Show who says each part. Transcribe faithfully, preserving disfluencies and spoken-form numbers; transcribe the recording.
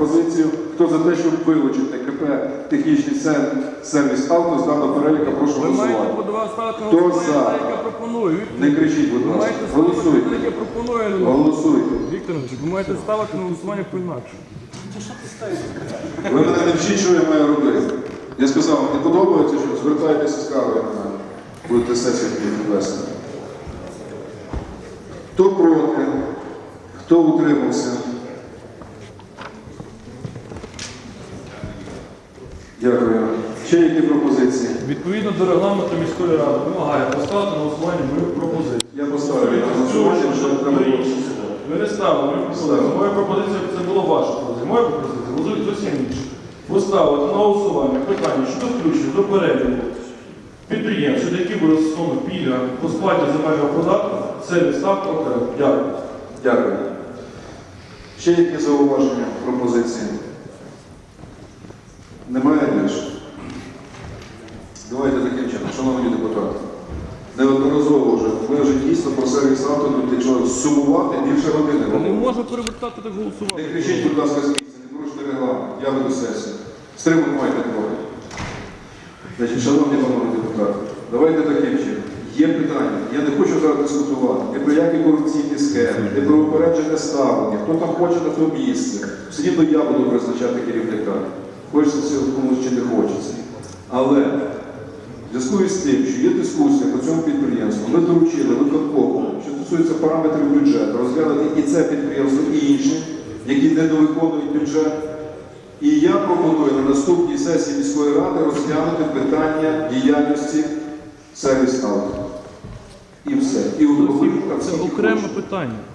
Speaker 1: пропозицію. Хто за те, щоб вилучити КП «Технічний сервіс авто» з даного переліка, прошу
Speaker 2: Ви маєте
Speaker 1: голосувати.
Speaker 2: подавати ставити на
Speaker 1: Хто
Speaker 2: голосування,
Speaker 1: за?
Speaker 2: те, яке пропоную.
Speaker 1: Не кричіть, будь
Speaker 2: Ви
Speaker 1: ласка.
Speaker 2: маєте ставити те,
Speaker 1: Голосуйте.
Speaker 2: яке пропоную.
Speaker 1: Голосуйте.
Speaker 2: Віктор Іванович, ви маєте ставити на голосування по-інакше.
Speaker 1: Ви мене не вчіть, що я маю робити. Я сказав, не подобається, що звертайтеся з кавою на мене. Будете сесію вести. Хто проти? Хто утримався? Дякую. Ще які пропозиції?
Speaker 2: Відповідно до регламенту міської ради вимагає поставити на голосування мою пропозицію.
Speaker 1: Я поставлю на голосування, що треба було.
Speaker 2: Ви не ставили мою пропозицію. Моя пропозиція це була ваша пропозиція. Моя пропозиція голосують зовсім інше. Поставити на голосування питання щодо включення до переліку підприємств, щодо яких буде застосовано пільга по сплаті земельного податку, сервіс ставка окремо. Дякую.
Speaker 1: Дякую. Ще які зауваження, пропозиції? Немає більше? Давайте таким чином, шановні депутати. Неодноразово вже, ми вже дійсно про сервіс авто, якщо сумувати, більше години.
Speaker 2: Не можна перевертати так голосувати.
Speaker 1: Не кричіть, будь ласка, з місця, не порушуйте регламент, я веду сесію. Стримуйте майте трохи. Значить, шановні панове депутати, давайте таким чином. Є питання, я не хочу зараз дискутувати, не про які корупційні схеми, не про упереджене ставлення, хто там хоче на то місце. Все рівно я буду призначати керівника. Хочеться цього комусь чи не хочеться. Але в зв'язку із тим, що є дискусія по цьому підприємству, ми доручили виконкому, що стосується параметрів бюджету, розглянути і це підприємство, і інші, які недовиконують бюджет. І я пропоную на наступній сесії міської ради розглянути питання діяльності сервіс авто. І все. І
Speaker 2: Це окреме питання.